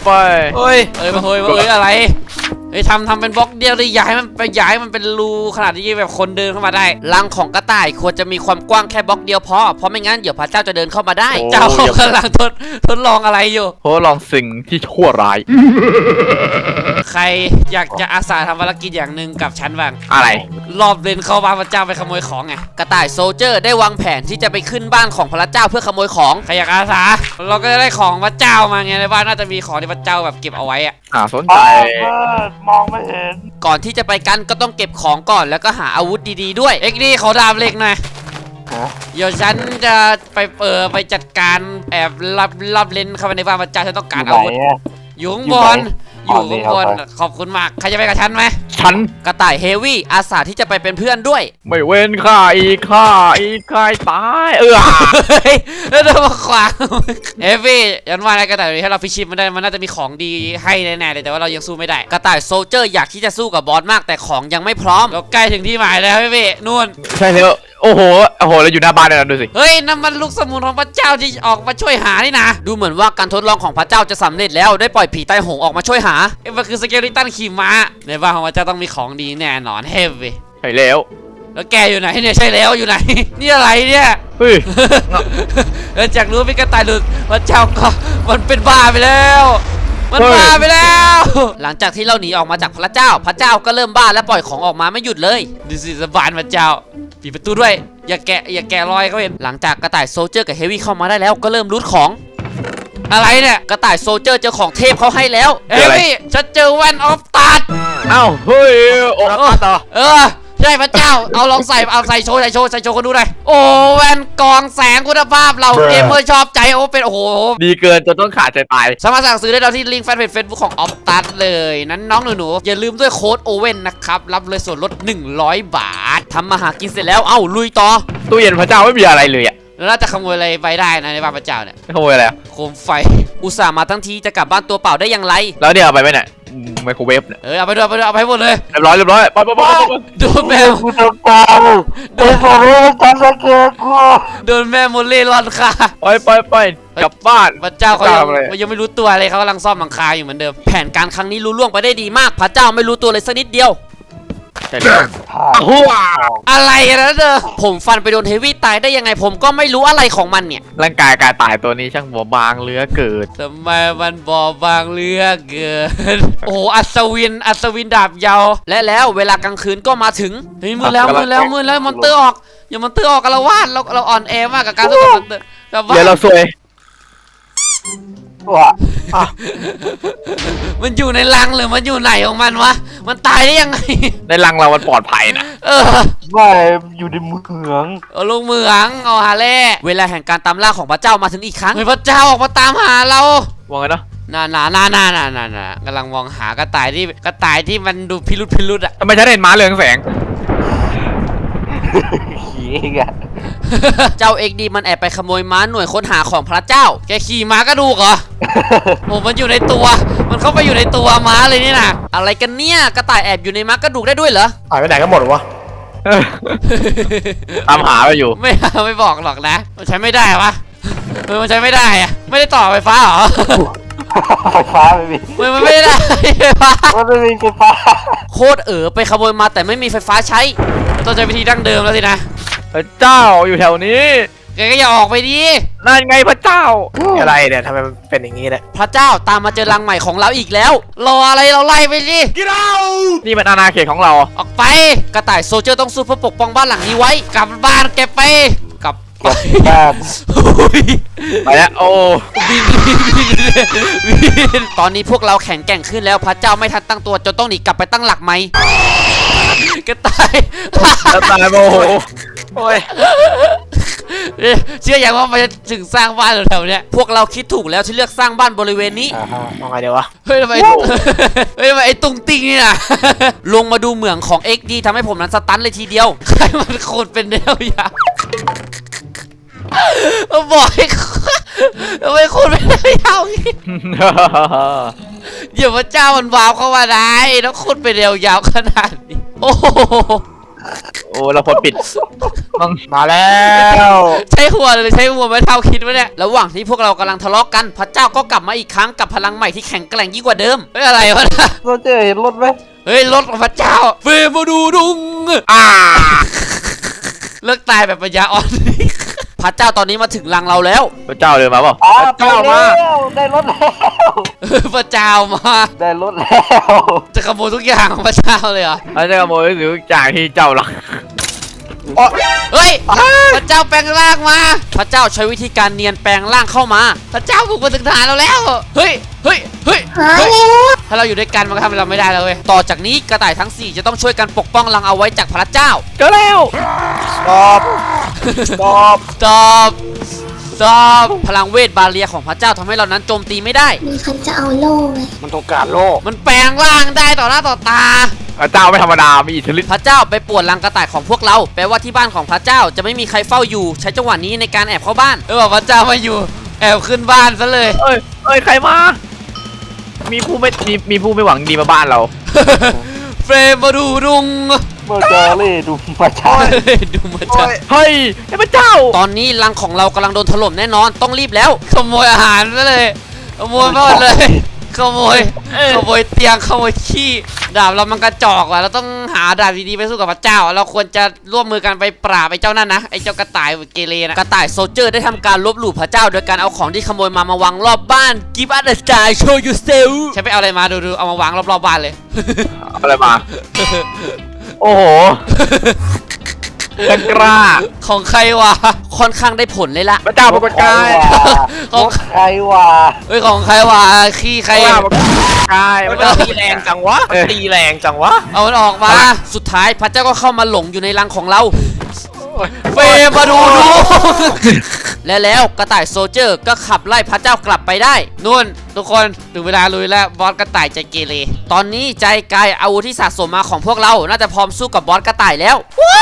[SPEAKER 1] เฮ้ยอะไรเฮ้ยทำเป็นบล็อกเดียวเลยย้ายมันเป็นรูขนาดที่แบบคนเดินเข้ามาได้รังของกระต่ายควรจะมีความกว้างแค่บล็อกเดียวพอเพราะไม่งั้นเดี๋ยวพระเจ้าจะเดินเข้ามาได้เจ้ากำลังทดลองอะไรอยู่
[SPEAKER 2] โหลองสิ่งที่ชั่วร้าย
[SPEAKER 1] ใครอยากจะอาสาทำภารกิจอย่างหนึ่งกับฉันบ้าง
[SPEAKER 2] อะไร
[SPEAKER 1] รอบเลนเข้าบ้านพระเจ้าไปขโมยของไงกระต่ายโซลเจอร์ได้วางแผนที่จะไปขึ้นบ้านของพระเจ้าเพื่อขโมยของใครอยากอาสาเราก็จะได้ของพระเจ้ามาไงในบ้านน่าจะมีของที่พระเจ้าแบบเก็บเอาไว้อะ
[SPEAKER 2] สนใจ
[SPEAKER 3] มองไม่เห็น
[SPEAKER 1] ก่อนที่จะไปกันก็ต้องเก็บของก่อนแล้วก็หาอาวุธดีๆด้วยเอ็กนี่เขาดาบเหล็กหน่อย
[SPEAKER 3] ฮะ
[SPEAKER 1] เดี๋ยวฉันจะไปจัดการแอบรับเลนเข้าไปในบ้านพระเจ้าฉันต้องการอาวุธ อยู่ข้างบนอยู่ข้างบนขอบคุณมากใครจะไปกับฉันไหม
[SPEAKER 2] ฉัน
[SPEAKER 1] กระต่ายเฮฟวี่อาสาที่จะไปเป็นเพื่อนด้วย
[SPEAKER 2] ไม่เว้นข้าอีกตาย
[SPEAKER 1] เฮ้ยแล้วเดินมาขวางเฮฟวี่ยันว่าอะไรกระต่ายถ้าเราฟิชชิปมันได้มันน่าจะมีของดีให้แน่ๆเลยแต่ว่าเรายังสู้ไม่ได้กระต่ายโซลเจอร์อยากที่จะสู้กับบอสมากแต่ของยังไม่พร้อมเราใกล้ถึงที่หมายแล้วเฮฟวี่นู่น
[SPEAKER 2] ใช่แล้วโอ้โหเราอยู่หน้าบ้านเลยนะดูสิ
[SPEAKER 1] เฮ้ยนั่นมันลูกสมุนของพระเจ้าที่ออกมาช่วยหานี่นะดูเหมือนว่าการทดลองของพระเจ้าจะสำเร็จแล้วได้ปล่อยผีใต้หงออกมาช่วยหามันคือสเกลิตันขี่ม้าในบ้านของพระเจ้าต้องมีของดีแน่นอนเฮฟวี่
[SPEAKER 2] ใช่แล้ว
[SPEAKER 1] แล้วแกอยู่ไหนเนี่ยใช่แล้วอยู่ไหน นี่อะไรเนี่ย
[SPEAKER 2] เฮ้ย
[SPEAKER 1] จากรู้เป็นกระต่ายหลุดพระเจ้าก็มันเป็นบ้าไปแล้วมันบ้าไปแล้ว หลังจากที่เราหนีออกมาจากพระเจ้าก็เริ่มบ้าและปล่อยของออกมาไม่หยุดเลยดิสิสบานพระเจ้าปิดประตูด้วยอย่าแกะรอยเขาเห็นหลังจากกระต่ายโซลเจอร์กับเฮฟวี่เข้ามาได้แล้วก็เริ่มรูทของอะไรเนี่ยกระต่ายโซลเจอร์เจอของเทพเขาให้แล้วเฮฟวี่ฉันเจอแว่นออฟตัด
[SPEAKER 2] เอ้าเฮ้ยโอ้ต่อ
[SPEAKER 1] ใช่พระเจ้าเอาลองใส่โชว์คนดูหน่อยโอ้แว่นกองแสงคุณภาพเราเกมเมอร์ชอบใจโอ้เป็นโอ้โห
[SPEAKER 2] ดีเกินจนต้องขาดใจตาย
[SPEAKER 1] สามารถสั่งซื้อได้เราที่ลิงก์แฟนเพจ Facebook ของออฟตัสเลยนั้นน้องหนูๆอย่าลืมด้วยโค้ดโอเว่นนะครับรับเลยส่วนลด100 บาททำมาหากินเสร็จแล้วเอ้าลุยต่อ
[SPEAKER 2] ตู้เย็นพระเจ้าไม่มีอะไรเลยอ่ะ
[SPEAKER 1] แล้วน่าจะขโมยอะไรไปได้นะในบ้านพระเจ้าเนี่ย
[SPEAKER 2] ขโมยอะไร
[SPEAKER 1] โคมไฟอุตส่าห์มาทั้งทีจะกลับบ้านตัวเปล่าได้อย่างไร
[SPEAKER 2] แล้วเนี่ยเอาไปไหมเนี่ยไมโครเวฟเนี่ย
[SPEAKER 1] เอาไปด้วยเอาไปให้หมดเลย
[SPEAKER 2] เรียบร้อยไป
[SPEAKER 1] โดนแม่
[SPEAKER 3] กูจะตายโดนผมจะทำสเกลกู
[SPEAKER 1] โดนแม่โมเล่รอนค่ะ
[SPEAKER 2] ไปกลับบ้าน
[SPEAKER 1] พระเจ้าเขา
[SPEAKER 2] ทำอะไร
[SPEAKER 1] ยังไม่รู้ตัวเลยเขากำลังซ่อมหลังคาอยู่เหมือนเดิมแผนการครั้งนี้รู้ล่วงไปได้ดีมากพระเจ้าไม่รู้ตัวเลยสักนิดเดียว
[SPEAKER 2] ใช่แล้ว
[SPEAKER 3] หัว
[SPEAKER 1] อะไรนะเด้อผมฟันไปโดนเฮฟวี่ตายได้ยังไงผมก็ไม่รู้อะไรของมันเนี่ย
[SPEAKER 2] ร่างกายกายตายตัวนี้ช่างบัวบางเหลือเกิน
[SPEAKER 1] ทำไมมันบอบบางเหลือเกิน โอ้โหอัศวินดาบยาวและแล้วเวลากลางคืนก็มาถึงเฮ้ยมืดแล้วมอนเตอร์ออกอย่ามอนเตอร์ออกกันละวาดเราอ่อนแอมากกับการสู้กับมอนเตอร์แต่ว่า
[SPEAKER 2] เดี๋ยวเราซวย
[SPEAKER 3] ว่ะ
[SPEAKER 1] มันอยู่ในรังหรือมันอยู่ไหนของมันวะมันตายได้ยังไง
[SPEAKER 2] ในรังเรามันปลอดภัยนะ
[SPEAKER 3] ไม่อยู่ในเมือง
[SPEAKER 1] เอาลงเมืองเอาหาเล่เวลาแห่งการตามล่าของพระเจ้ามาถึงอีกครั้งพระเจ้าออกมาตามหาเรา
[SPEAKER 2] ว่าไงเนาะ
[SPEAKER 1] น่ากำลังมองหากระต่ายที่มันดูพิรุษอะ
[SPEAKER 2] ทำไมฉันเห็นม้าเรืองแสง
[SPEAKER 3] ขี่อีกอะ
[SPEAKER 1] เจ้าเอกดีมันแอบไปขโมยม้าหน่วยค้นหาของพระเจ้าแกขี่ม้ากระดูกเหรอ โอ้มันอยู่ในตัวมันเข้าไปอยู่ในตัวม้าเลยนี่นะอะไรกันเนี่ยกระต่ายแอบอยู่ในม้ากระดูกได้ด้วยเหรอ
[SPEAKER 4] หายไปไหนกันหมดวะ
[SPEAKER 2] ตามหาไปอยู่
[SPEAKER 1] ไม่บอกหรอกนะมันใช้ไม่ได้ปะมันใช้ไม่ได้อะไม่ได้ต่อไฟฟ้าเหรอ
[SPEAKER 3] ไฟฟ้าไม่มี
[SPEAKER 1] มันไม่ได้ไฟฟ้า
[SPEAKER 3] มันไม่มีไฟฟ้า
[SPEAKER 1] โคตรไปขโมยมาแต่ไม่มีไฟฟ้าใช้ต้องใช้วิธีดั้งเดิมแล้วสินะ
[SPEAKER 2] พระเจ้าอยู่แถวนี้
[SPEAKER 1] แกก็อย่าออกไปดิ
[SPEAKER 2] นั่นไงพระเจ้า
[SPEAKER 4] อะไรเนี่ยทำไมมันเป็นอย่างนี้เนี่ย
[SPEAKER 1] พระเจ้าตามมาเจอรังใหม่ของเราอีกแล้วรออะไรเราไล่ไปสิ
[SPEAKER 2] นี่มันอาณาเขตของเรา
[SPEAKER 1] ออกไปกระต่ายโซลเจอร์ต้องสู้เพื่อปกป้องบ้านหลังนี้ไว้กลับบ้านเก็บไปกลับ
[SPEAKER 3] เก็บบ้าน
[SPEAKER 2] ไปแล้วโอ้
[SPEAKER 1] บินตอนนี้พวกเราแข็งแกร่งขึ้นแล้วพระเจ้าไม่ทันตั้งตัวจนต้องหนีกลับไปตั้งหลักไหมกระต่าย
[SPEAKER 2] แล้วตายโมโห
[SPEAKER 4] โอ้ย
[SPEAKER 1] เชื่ออย่างว่ามันจะถึงสร้างบ้านแถวๆเนี้ยพวกเราคิดถูกแล้วที่เลือกสร้างบ้านบริเวณนี้
[SPEAKER 4] มองไงเดี๋ยววะ
[SPEAKER 1] เฮ้ยทำไม เฮ้ยทำไมไอ้ตุงติงนี่นะ ลงมาดูเหมืองของ XD ทำให้ผมนั้นสตันเลยทีเดียวใครมันโคตรเป็นแนวยาวบอกให้ทำไมโคตรเป็นแนวยาวอย่างงี้เดี๋ยวพระเจ้ามันวาวเข้ามาได้แล้วโคตรเป็นแนวยาวขนาดนี้โอ้โห
[SPEAKER 2] โอ้เราพอปิดต้อง
[SPEAKER 4] มาแล้ว
[SPEAKER 1] ใช้หัวเลยใช้หัวไม่เท่าคิดวะเนี่ยระหว่างที่พวกเรากำลังทะเลาะกันพระเจ้าก็กลับมาอีกครั้งกับพลังใหม่ที่แข็งแกร่งยิ่งกว่าเดิมเฮ้ยอะไรวะนะ
[SPEAKER 3] โซเจอร์เห็นรถไหม
[SPEAKER 1] เฮ้ยรถของพระเจ้าเฟรมาดูดุงเลิกตายแบบปัญญาอ่อน พระเจ้าตอนนี้มาถึงรังเราแล้ว
[SPEAKER 2] พระเจ้าเดินมาเปล่า
[SPEAKER 3] อ๋อ
[SPEAKER 2] พระเจ้ามา
[SPEAKER 3] ได้รถแล้ว
[SPEAKER 1] พระเจ้ามา
[SPEAKER 3] ได้รถแล้ว
[SPEAKER 1] จะขโมยทุกอย่างของพระเจ้าเลยเหรอ
[SPEAKER 2] พระเจ้าขโมยหรือจากที่เจ้าหลัก
[SPEAKER 1] เฮ้ยพระเจ้าแปลงร่างมา พระเจ้าใช้วิธีการเนียนแปลงร่างเข้ามา พระเจ้าบุกมาถึงฐานเราแล้วเฮ้ยเฮ้ยเฮ้ยเฮ้ยถ้าเราอยู่ด้วยกันมันก็ทำอะไรเราไม่ได้แล้วเว้ยต่อจากนี้กระต่ายทั้ง4จะต้องช่วยกันปกป้องรังเอาไว้จากพระเจ้า
[SPEAKER 2] เจอแล้ว
[SPEAKER 4] ตอบตอบ
[SPEAKER 1] ตอบพลังเวทบาเรียของพระเจ้าทำให้เรานั้นโจมตีไม่ได้
[SPEAKER 5] มีใครจะเอาโล่ไหม
[SPEAKER 4] มันต้องการโลก
[SPEAKER 1] มันแปลงร่างได้ต่อหน้าต่อตา
[SPEAKER 2] พระเจ้าไม่ธรรมดามีอิทธิฤทธิ์
[SPEAKER 1] พระเจ้าไปป่วนรังกระต่ายของพวกเรา แปลว่าที่บ้านของพระเจ้าจะไม่มีใครเฝ้าอยู่ ใช้จังหวะนี้ในการแอบเข้าบ้านพระเจ้ามาอยู่ แอบขึ้นบ้านซะเลย
[SPEAKER 2] เอ้ยใครมามีผู้ไม่หวังดีมาบ้านเรา
[SPEAKER 1] เฟรมมาดูรุง
[SPEAKER 3] เมื่อเจอเล่ดูประชาชน
[SPEAKER 1] ดูมาจ้า
[SPEAKER 2] เฮ้ยไอ้พระเจ้า
[SPEAKER 1] ตอนนี้รังของเรากำลังโดนถล่มแน่นอนต้องรีบแล้ว ขโมยอาหารซะเลยขโมยหมดเลยขโมยเตียงขโมยขี้ดาบเรามันกระจอกว่ะเราต้องหาดาบดีๆไปสู้กับพระเจ้า เราควรจะร่วมมือกันไปปราบไอ้เจ้านั่นนะไอ้เจ้ากระต่ายเกเรนะกระต่ายโซลเจอร์ได้ทำการลบหลู่พระเจ้าโดยการเอาของที่ขโมยมาวางรอบบ้าน Give us a star show yourself ใช่ไปเอาอะไรมาดูเอามาวางรอบๆบ้านเลย
[SPEAKER 2] อะไรมา โอ้โหกันกล้า
[SPEAKER 1] ของใครวะค่อนข้างได้ผลเลยล่ะ
[SPEAKER 2] พระเจ้าปรากฏกาย
[SPEAKER 1] ของ
[SPEAKER 3] ใครวะ
[SPEAKER 1] เฮ้ยของใครวะขี้ใคร
[SPEAKER 2] พระเจ้าปรากฏกาย
[SPEAKER 4] มัน
[SPEAKER 2] พระเจ้า
[SPEAKER 4] ตีแรงจังวะมันตีแรงจังวะ
[SPEAKER 1] เอามันออกมา สุดท้ายพระเจ้าก็เข้ามาหลงอยู่ในรังของเรา เฟรมมาดู และแล้วกระต่ายโซลเจอร์ก็ขับไล่พระเจ้ากลับไปได้นู่นทุกคนถึงเวลาลุยแล้วบอสกระต่ายใจเกเรตอนนี้ใจกายอาวุธที่สะสมมาของพวกเราน่าจะพร้อมสู้กับบอสกระต่ายแล้ว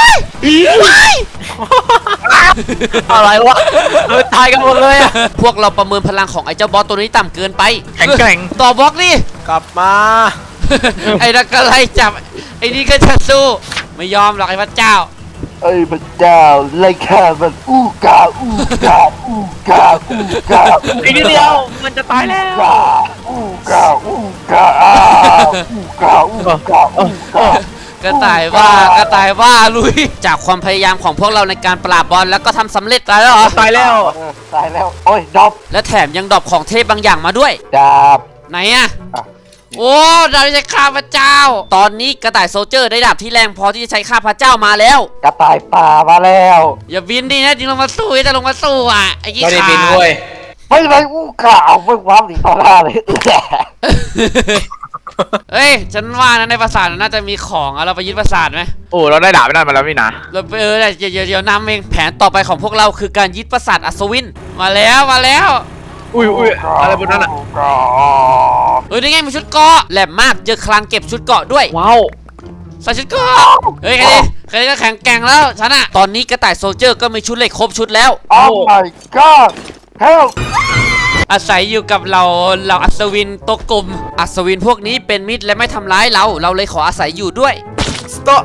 [SPEAKER 2] อะไรวะตายกันหมดเลยอะ
[SPEAKER 1] พวกเราประเมินพลังของไอ้เจ้าบอสตัวนี้ต่ำเกินไป
[SPEAKER 2] แข็งแกร่ง
[SPEAKER 1] ต่อบล็อกนี่
[SPEAKER 4] กลับมา
[SPEAKER 1] ไอ้นักก็ไล่จับไอ้นี่ก็จะสู้ไม่ยอมหรอกไอ้พระเจ้า
[SPEAKER 3] เอ้ยพระเจ้าไล่ฆ่ามันอู้กาอู้กาอู้กาอู้กา
[SPEAKER 2] อีกนิดเดียวมันจะตายแล้ว
[SPEAKER 3] อู้กาอู้กาอู้กาอู้กาอู้กาก
[SPEAKER 1] ระต่ายว่าลุยจากความพยายามของพวกเราในการปราบบอลแล้วก็ทำสำเร็จแล้วเหรอ
[SPEAKER 2] ตายแล้ว
[SPEAKER 3] ตายแล้วโอ้ยดอบ
[SPEAKER 1] และแถมยังดรอปของเทพบางอย่างมาด้วย
[SPEAKER 3] ดาบ
[SPEAKER 1] ไหนอะ
[SPEAKER 3] อ่ะ
[SPEAKER 1] โอ้ดาบที่ใช้ฆ่าพระเจ้า ตอนนี้กระต่ายโซลเจอร์ได้ดาบที่แรงพอที่จะใช้ฆ่าพระเจ้ามาแล้ว
[SPEAKER 3] กระต่ายป่ามาแล้ว
[SPEAKER 1] อย่าบินดินะจริงลงมาสู้จะลงมาสู้อ่ะไอ้ยี่
[SPEAKER 4] ไม่ได้
[SPEAKER 1] ขา
[SPEAKER 4] บินเว้ย
[SPEAKER 3] ไม่ไรอู้กาเอาไม่ความหนีต่อหน้าเลย
[SPEAKER 1] เฮ้ยฉันว่านะในปราสาทน่าจะมีของอะเราไปยึดปราสาทไหม
[SPEAKER 2] โอ้เราได้ดาบไปนั่นมาแล้วนี่นะ
[SPEAKER 1] เราไปเดี๋ยวนำเองแผนต่อไปของพวกเราคือการยึดปราสาทอัศวินมาแล้ว
[SPEAKER 2] อุ้ยอะไรบนนั้นอะ
[SPEAKER 1] นี่ไงมีชุดเกราะแหลมมากเจอคลังเก็บชุดเกราะด้วย
[SPEAKER 2] ว้าว
[SPEAKER 1] ใส่ชุดเกราะเฮ้ยใครก็แข็งแกร่งแล้วฉันอะตอนนี้กระต่ายโซลเจอร์ก็มีชุดเหล็กครบชุดแล้ว
[SPEAKER 3] โอ้ my god help
[SPEAKER 1] อาศัยอยู่กับเราอัศวินโตวกลมอัศวินพวกนี้เป็นมิตรและไม่ทำร้ายเราเลยขออาศัยอยู่ด้วย
[SPEAKER 4] stop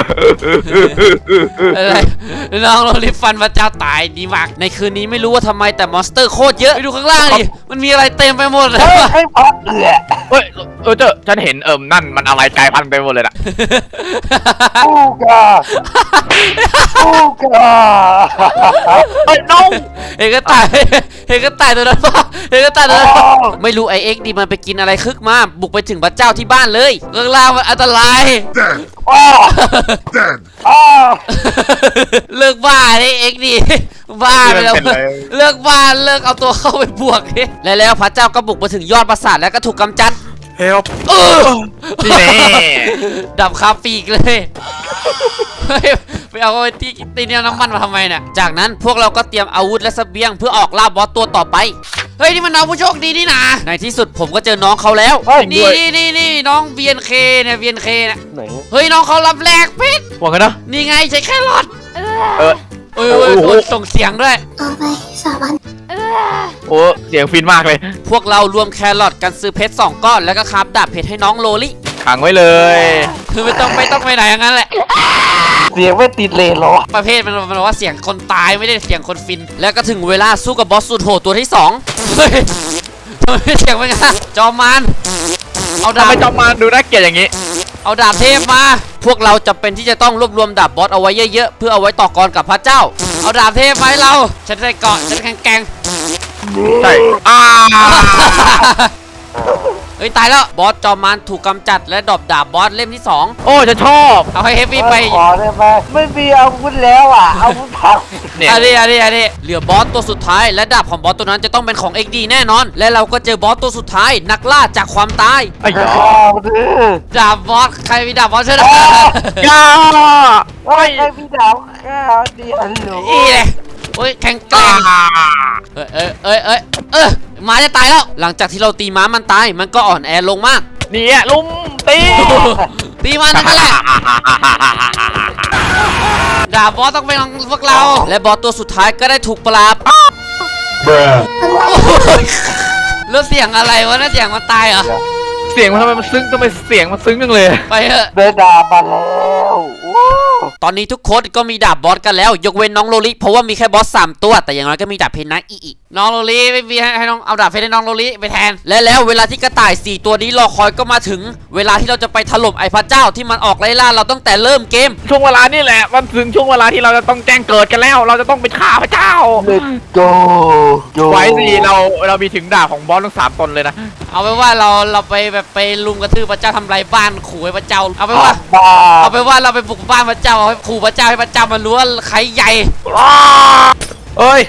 [SPEAKER 1] อะไรน้องโรลิฟันพระเจ้าตายดีมากในคืนนี้ไม่รู้ว่าทำไมแต่มอนสเตอร์โคตรเยอะไปดูข้างล่างดิมันมีอะไรเต็มไปหมดเลย
[SPEAKER 3] เฮ้ยให้พัก
[SPEAKER 2] เฮ้ยเจอฉันเห็นนั่นมันอะไรกลายพันธุ์ไปหมดเลยน่ะ
[SPEAKER 3] อู้กาอู้กา
[SPEAKER 2] เฮ้ยน้อง
[SPEAKER 1] เห็นก็ตายตัวนั้นป่ะไม่รู้ไอเอ็กดีมันไปกินอะไรคึกมาบุกไปถึงพระเจ้าที่บ้านเลยข้างล่างมันอันตราย
[SPEAKER 3] อ้าว
[SPEAKER 6] Dead.
[SPEAKER 3] อ้าว
[SPEAKER 1] เลิกบ้าดิเอ็กดีบ้าไปแล้ว
[SPEAKER 4] เป็นไร
[SPEAKER 1] เลิกบ้าเลิกเอาตัวเข้าไปบวกดิและแล้วพระเจ้าก็บุกมาถึงยอดปราสาทแล้วก็ถูกกำจัด
[SPEAKER 4] เฮล
[SPEAKER 2] นี่แน่
[SPEAKER 1] ดับคาปีกเลยเฮ้ยไปเอาไอ้ที่ตีเนี่ยน้ำมันมาทำไมเนี่ยจากนั้นพวกเราก็เตรียมอาวุธและเสบียงเพื่อออกล่าบอสตัวต่อไปเฮ้ยนี่มันน้องผู้โชคดีนี่นะในที่สุดผมก็เจอน้องเขาแล้วนี่น้อง VNK เนี่ย VNK เนี่ย
[SPEAKER 3] ไหน
[SPEAKER 1] เฮ้ยน้องเขารับแลกเพชร
[SPEAKER 2] ว่ากันนะ
[SPEAKER 1] นี่ไงใช้แครอท
[SPEAKER 2] เออ
[SPEAKER 1] เอ้ยส่งเสียงด้วย
[SPEAKER 5] เอาไป3 วัน
[SPEAKER 2] โอ้เสียงฟินมากเลย
[SPEAKER 1] พวกเรารวมแครอทกันซื้อเพชร2 ก้อนแล้วก็คราฟดาบเพชรให้น้องโลลิ
[SPEAKER 2] ขังไว้เลย
[SPEAKER 1] คือไม่ต้องไปไหนอย่างนั้นแหละ
[SPEAKER 3] เสียงไม่ติดเลยเหรอ
[SPEAKER 1] ประเภทมันบอกว่าเสียงคนตายไม่ได้เสียงคนฟิน แล้วก็ถึงเวลาสู้กับบอสสุดโหดตัวที่2เฮ้ยทำไมเสียงเป็นไงจอมมารเอาดา
[SPEAKER 2] ทำ
[SPEAKER 1] บ
[SPEAKER 2] ไมจอมมาดูน่าเกลียดอย่างนี้
[SPEAKER 1] เอาดาบเทพมา พวกเราจะเป็นที่จะต้องรวบรวมดาบบอสเอาไว้เยอะๆเพื่อเอาไว้ต่อกรกับพระเจ้า เอาดาบเทพมาให้เราฉันใส่เกาะฉันแข็ง
[SPEAKER 2] ใช่อ่า
[SPEAKER 1] เฮ้ยตายแล้วบอสจอมมารถูกกำจัดและดรอปดาบบอสเล่มที่2
[SPEAKER 2] โอ้ฉันชอบ
[SPEAKER 1] เอาให้เฮฟวี่ไป
[SPEAKER 3] ขอได้ไหมไม่มีอาวุธแล้วอ่ะอาวุธพัง
[SPEAKER 2] เนี่ย
[SPEAKER 1] อันนี้เหลือบอสตัวสุดท้ายและดาบของบอสตัวนั้นจะต้องเป็นของ XD แน่นอน และเราก็เจอบอสตัวสุดท้ายนักล่าจากความตาย
[SPEAKER 2] ไอ้ยา
[SPEAKER 3] อ้าวดื้อ
[SPEAKER 1] ดาบบอสใครมีดาบบอสช่วยหน่อย
[SPEAKER 2] ยา
[SPEAKER 3] โอ้ยไอ้พี่ดาวข้าวดีอันหนู
[SPEAKER 1] อีเลยโอ้ยแข็งแกร่งม้าจะตายแล้ว หลังจากที่เราตีม้ามันตายมันก็อ่อนแอลงมาก
[SPEAKER 2] เนี่ยลุมตี
[SPEAKER 1] ตีมันนั่นแหละดาบบอสต้องเป็นของพวกเรา และบอสตัวสุดท้ายก็ได้ถูกปราบแล้วเสียงอะไรวะน่าเสียงมันตายเหรอ
[SPEAKER 2] เสียงมันทำไมมันซึ้งทำไมเสียงมันซึ้งจังเลย
[SPEAKER 1] ไปเถอะ
[SPEAKER 3] ได้ดาบมาแล้วโอ้
[SPEAKER 1] ตอนนี้ทุกคนก็มีดาบบอสกันแล้ว ยกเว้นน้องโลลิเพราะว่ามีแค่บอส3 ตัวแต่อย่างน้อยก็มีดาบเพชรนะอีน้องโลลิไม่มีให้น้องเอาดาบเพชรให้น้องโลลิไปแทนและแล้วเวลาที่กระต่าย4 ตัวนี้รอคอยก็มาถึง เวลาที่เราจะไปถล่มไอ้พระเจ้าที่มันออกไล่ล่าเราตั้งแต่เริ่มเกม
[SPEAKER 2] ช่วงเวลานี่แหละมันถึงช่วงเวลาที่เราจะต้องแจ้งเกิดกันแล้ว เราจะต้องไปฆ่าพระเจ้า
[SPEAKER 3] เลตโกโจ
[SPEAKER 2] ไว้สิเรามีถึงดาบของบอสทั้ง3 ตนเลยนะ
[SPEAKER 1] เอาไปว่าเราไปแบบไปลุมกระทืบพระเจ้าทำลายบ้านขู่ให้พระเจ้าเอาไปว่า
[SPEAKER 3] บ้า
[SPEAKER 1] เอาไปว่าเราไปบุกบ้านพระเจ้าเอาให้ขู่พระเจ้าให้พระเจ้ามันรู้ว่าใครใหญ่
[SPEAKER 4] เอ้ย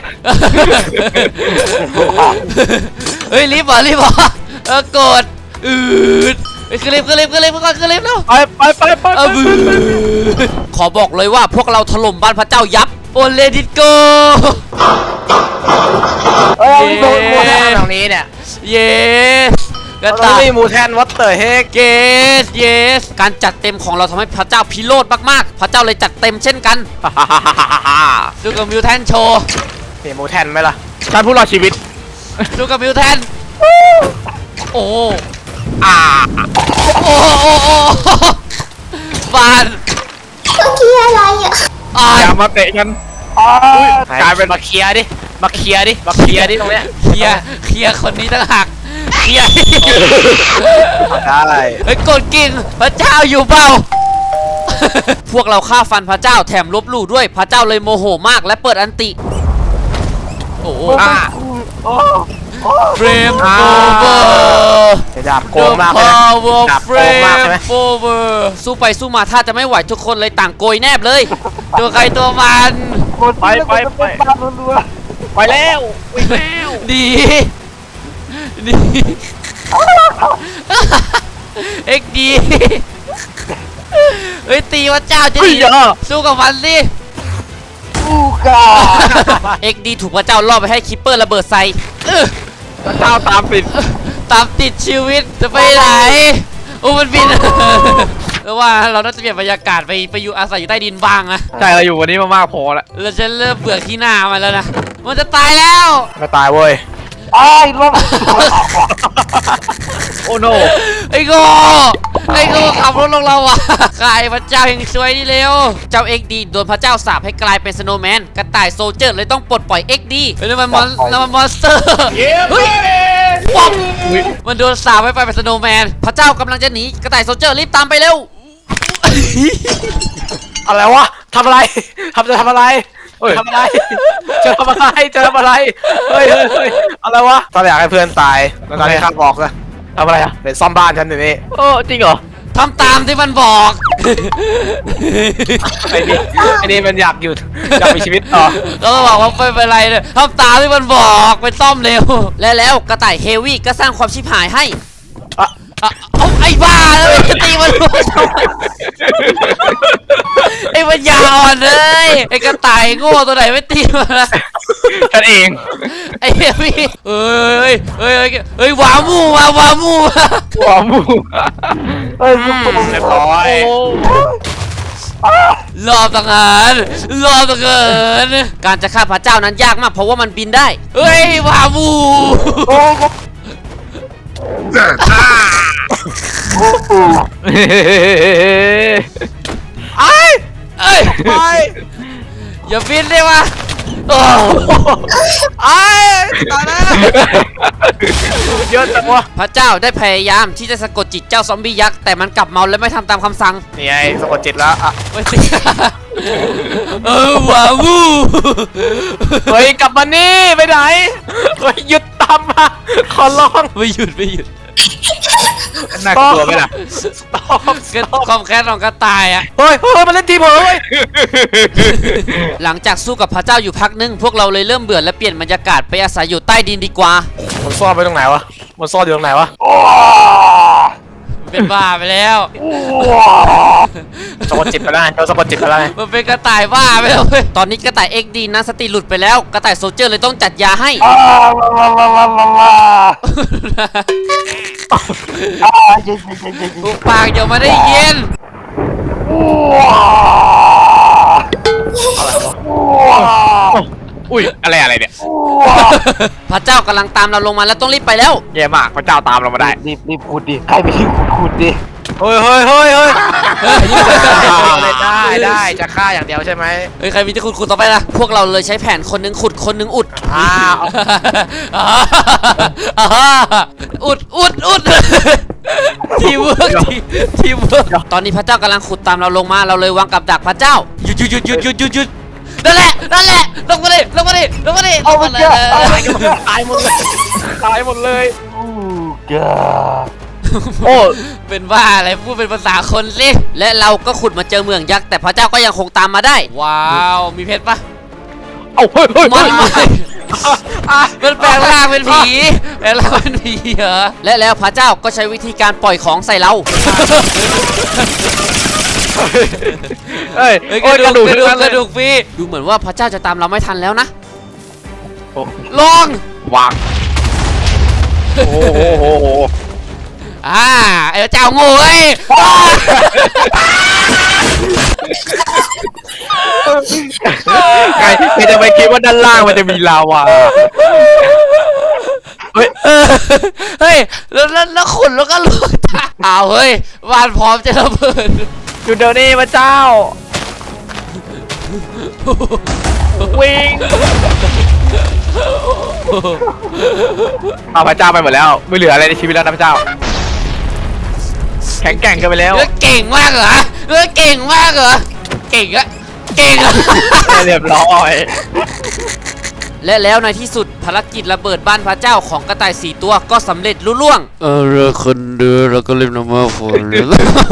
[SPEAKER 1] เฮ้ยรีบเหรอโกรธอืดขึ้นลิฟต์แล้ว
[SPEAKER 2] ไป
[SPEAKER 1] บืขอบอกเลยว่าพวกเราถล่มบ้านพระเจ้ายับโอเลดิโก
[SPEAKER 3] เอ้ย
[SPEAKER 1] เย้
[SPEAKER 3] โดนหมดแล้ว
[SPEAKER 4] ตรงนี้เนี่ย
[SPEAKER 1] เยสกระ
[SPEAKER 4] ตรง
[SPEAKER 1] ต่าย
[SPEAKER 4] นี้มูแทนวัตเตอร์เฮก
[SPEAKER 1] เยสการจัดเต็มของเราทำให้พระเจ้าพิโรธมากๆพระเจ้าเลยจัดเต็มเช่นกันดูกับมิวแทนโชว์
[SPEAKER 4] นี่มูแทนไหมล่ะ
[SPEAKER 2] ฉันผู้รอดชีวิต
[SPEAKER 1] ดูกับมิวแทนโอ้
[SPEAKER 2] อ่า
[SPEAKER 1] โอ้บ้าน
[SPEAKER 5] เมื่อกี้อะไรอ่ะ
[SPEAKER 1] อ่า
[SPEAKER 2] อย่ามาเตะฉัน
[SPEAKER 3] อ้าว
[SPEAKER 2] กลายเป็น
[SPEAKER 4] มาเคลียร์ดิมาเคลียร์ดิตรงเนี้ย
[SPEAKER 1] เคลียร์คนนี้ต่างหากเคลียร์
[SPEAKER 4] ได้
[SPEAKER 1] เฮ้ยกดกิ่งพระเจ้าอยู่เปล่า พวกเราฆ่าฟันพระเจ้าแถมลบหลู่ด้วยพระเจ้าเลยโมโหมากและเปิดอันติ โอ้โห
[SPEAKER 3] โอ้โอ้
[SPEAKER 1] เฟรมโอเวอร์
[SPEAKER 4] ดาบโกงมากเลย
[SPEAKER 1] power
[SPEAKER 4] ดาบ
[SPEAKER 1] เฟ
[SPEAKER 4] โก
[SPEAKER 1] รง
[SPEAKER 4] มาก
[SPEAKER 1] ม
[SPEAKER 4] ใช่ไหม
[SPEAKER 1] โอเวอร์สู้ไปสู้มาถ้าจะไม่ไหวทุกคนเลยต่างโกยแนบเลย ตัวใครตัวมัน
[SPEAKER 3] หมดที่แล้วก็จะเป็นบ้านรัว
[SPEAKER 2] ไปแล้ววิ่งแล้ว
[SPEAKER 1] ดีเอ็กดีเฮ้ยตีพระเจ้าจะ
[SPEAKER 2] เฮ้ย
[SPEAKER 1] ดี
[SPEAKER 2] เดี๋ยว
[SPEAKER 1] สู้กับมันสิ
[SPEAKER 3] ๆอู้กา
[SPEAKER 1] เอ็กดีถูกพระเจ้าล่อไปให้คิปเปอร์ระเบิดใส่
[SPEAKER 2] พระเจ้าตามปิด
[SPEAKER 1] ตามติดชีวิตจะไปไหนโอ้มันบิน แล้วว่าเราน่าจะเปลี่ยนบรรยากาศไปอยู่อาศัยอยู่ใต้ดินบ้างนะ
[SPEAKER 2] ใช่เราอยู่วันนี้มามากพอแล้ว
[SPEAKER 1] เราจะเริ่มเบื่อขี้หน้ามันแล้วนะมันจะตายแล้ว
[SPEAKER 4] ไม่ตายเว้ย
[SPEAKER 3] ไอ้รถ
[SPEAKER 2] โอ้โน
[SPEAKER 1] ไอ้โง่ขับรถลงเราอ่ะกลายพระเจ้าแห่งช่วยนี่เร็วเจ้าเอ็กดีโดนพระเจ้าสาปให้กลายเป็นสโนว์แมนกระต่ายโซลเจอร์เลยต้องปลดปล่อยเอ็กดีนั่นมันมอนสเตอร์เฮ้ยป๊อปมันโดนสาปให้ไปเป็นสโนว์แมนพระเจ้ากำลังจะหนีกระต่ายโซลเจอร์รีบตามไปเร็ว
[SPEAKER 4] อะไรวะทำอะไรจะทำอะไร
[SPEAKER 2] เฮ้ย
[SPEAKER 4] ทำอะไรจะทำอะไรเฮ้ยอะไรวะตอนอยากให้เพื่อนตายแล้วตอนนี้ข้าบอกนะ
[SPEAKER 2] ทำอะไรอ่ะ
[SPEAKER 4] เป็นซ่อมบ้านฉันอยู่นี่
[SPEAKER 2] เออจริงเหรอ
[SPEAKER 1] ทำตามที่มันบอก
[SPEAKER 4] ไอ้นี่มันอยากอยู่อยากมีชีวิตต่อ
[SPEAKER 1] ก็บอกว่าไม่เป็นไรเลยทำตามที่มันบอกไปซ่อมเร็ว และแล้วกระต่ายเฮวี่ก็สร้างความชิบหายให้เอาไอ้บ้าแล้วจะตีมันรู้ทำไมไอ้ปัญญาอ่อนเลยไอ้กระต่ายโง่ตัวไหนไม่ตีมันละ
[SPEAKER 2] ฉันเอง
[SPEAKER 1] ไอ้เฮวี่เฮ้ยวามูมาวามูมา
[SPEAKER 2] หัวหมู
[SPEAKER 3] เฮ้ยลูกโป่ง
[SPEAKER 4] เรียบร้อย
[SPEAKER 1] รอบต่างหารรอบต่างหารการจะฆ่าพระเจ้านั้นยากมากเพราะว่ามันบินได้เฮ้ยวามู
[SPEAKER 3] โอ้ยครับโอ้โห
[SPEAKER 1] เอ้ยอย่าบินได้วะโอ้
[SPEAKER 4] ตายแล้วเยอะจังวะ
[SPEAKER 1] พระเจ้าได้พยายามที่จะสะกดจิตเจ้าซอมบี้ยักษ์แต่มันกลับเมาและไม่ทำตามคำสั่ง
[SPEAKER 4] นี่ไงสะกดจิตแล้วอ่ะ
[SPEAKER 1] ไม่ติดวาวู
[SPEAKER 4] เฮ้ยกลับมานี่ไปไหนเฮ้ยหยุดตามมาขอร้อง
[SPEAKER 1] ไม่หยุดไม่หยุด
[SPEAKER 2] น่ากลัวไหมล่ะ
[SPEAKER 1] ความแค้นของกระต่ายอะ
[SPEAKER 4] เฮ้ยมาเล่นทีมเหรอเฮ้ย
[SPEAKER 1] หลังจากสู้กับพระเจ้าอยู่พักนึงพวกเราเลยเริ่มเบื่อและเปลี่ยนบรรยากาศไปอาศัยอยู่ใต้ดินดีกว่า
[SPEAKER 4] มันซ่อนไปตรงไหนวะมันซ่อนอยู่ตรงไหนวะ
[SPEAKER 1] เป็นบ้าไปแล้ว
[SPEAKER 4] สะกดจิตไปได้เราสะกดจิตไปได้
[SPEAKER 1] มันเป็นกระต่ายบ้าไปแล้วเว้ยตอนนี้กระต่าย XD นะสติหลุดไปแล้วกระต่ายโซลเจอร์เลยต้องจัดยาให้
[SPEAKER 3] เย็นเย็นเย็น
[SPEAKER 1] ปุกปากเดี๋ยวมาได้ยิน
[SPEAKER 2] อุ้ยอะไรเนี่ย
[SPEAKER 1] พระเจ้ากำลังตามเราลงมาแล้วต้องรีบไปแล้ว
[SPEAKER 2] แย่มากพระเจ้าตามเรามาได้
[SPEAKER 3] รีบขุดดิใครไปที่ขุดดิ
[SPEAKER 4] เฮ้ยได้จะฆ่าอย่างเดียวใช่ไหม
[SPEAKER 1] เฮ้ยใครมีที่ขุดต่อไปล่ะพวกเราเลยใช้แผนคนหนึงขุดคนหนึงอุด อุดทีมเวิร์กทีมเวิร์กตอนนี้พระเจ้ากำลังขุดตามเราลงมาเราเลยวางกับดักพระเจ้าหยุดนั่นแหละลงมาดิ
[SPEAKER 3] เอาไปเจ้า
[SPEAKER 4] ตายหมดเลย
[SPEAKER 3] อู้กา
[SPEAKER 2] โอ้
[SPEAKER 1] เป็นว่าอะไรพูดเป็นภาษาคนสิและเราก็ขุดมาเจอเมืองยักษ์แต่พระเจ้าก็ยังคงตามมาได้ ว้าวมีเพชรปะ
[SPEAKER 2] เอาเฮ้ย
[SPEAKER 1] ไม่มันแปลงร่างเป็นผีแปลงร่างเป็นผีเหรอและแล้วพระเจ้าก็ใช้วิธีการปล่อยของใส่เรา
[SPEAKER 2] เฮ้ย
[SPEAKER 1] เฮ้ย
[SPEAKER 2] โอ้ยกระดูก
[SPEAKER 1] กระดูกฟรีดูเหมือนว่าพระเจ้าจะตามเราไม่ทันแล้วนะลอง
[SPEAKER 2] วางโอ้โห
[SPEAKER 1] ไอ้พระเจ้าโง่เว้ย
[SPEAKER 2] ใครจะไปคิดว่าด้านล่างมันจะมีลาวาเฮ้ย
[SPEAKER 1] เฮ้ยแล้วขุนแล้วก็ลุกอ้าวเฮ้ยบ้านพร้อมจะระเบิด
[SPEAKER 2] อยู่เดี๋ยวนี้พระเจ้าวิ่งเอาพระเจ้าไปหมดแล้วไม่เหลืออะไรในชีวิตแล้วนะพระเจ้าแข็งแกร่งกันไปแล้ว
[SPEAKER 1] เก่งมากเหรอเก่งมากเหรอเก่งอะ
[SPEAKER 2] เรียบร้อย
[SPEAKER 1] และแล้วในที่สุดภารกิจระเบิดบ้านพระเจ้าของกระต่าย4ตัวก็สำเร็จลุล่วงคนเดือแล้วก็เล่นน้ำมันฝนเล่น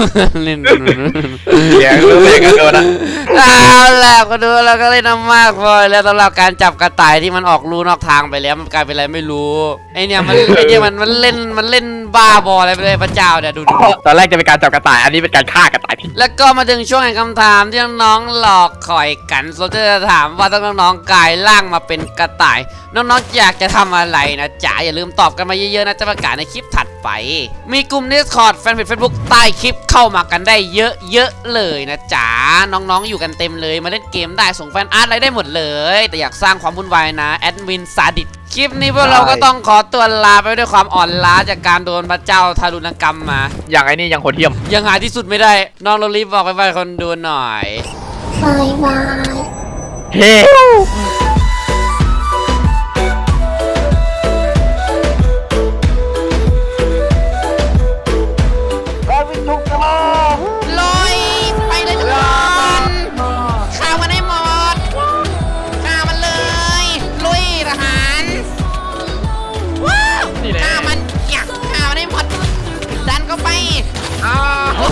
[SPEAKER 2] เสียงรู้สึกกันโดนนะ
[SPEAKER 1] เอาล่ะก็ดูแล้วก็เล่นน้ำมากพอแล้วสำหรับการจับกระต่ายที่มันออกลูนอกทางไปแล้วมันกลายเป็นอะไรไม่รู้ไอเนี่ยมันเล่นบ้าบออะไรไปเลยพระเจ้าเนี่ยดู
[SPEAKER 2] ตอนแรกจะเป็นการจับกระต่ายอันนี้เป็นการฆ่ากระต่าย
[SPEAKER 1] แล้วก็มาถึงช่วงแห่งคำถามที่น้องๆหลอกคอยกันโซเจอร์จะถามว่าถ้าน้องๆกลายร่างมาเป็นกระต่ายน้องๆอยากจะทำอะไรนะจ๊ะอย่าลืมตอบกันมาเยอะๆนะจะประกาศในคลิปถัดไปมีกลุ่ม Discord แฟนเพจ Facebook ใต้คลิปเข้ามากันได้เยอะๆเลยนะจ๊ะน้องๆอยู่กันเต็มเลยมาเล่นเกมได้ส่งแฟนอาร์ตอะไรได้หมดเลยแต่อยากสร้างความวุ่นวายนะแอดมินซาดิสคลิปนี้พวกเราก็ต้องขอตัวลาไปด้วยความอ่อนล้าจากการโดนพระเจ้าทารุณกรรมมา
[SPEAKER 2] อย่างไอ้นี่ยังโหดเหี้ยม
[SPEAKER 1] ยังหาที่สุดไม่ได้น้องเรารีบบอกไปคนดูหน่อย
[SPEAKER 5] บายบาย
[SPEAKER 2] เฮ้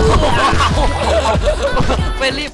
[SPEAKER 1] ไปรีบ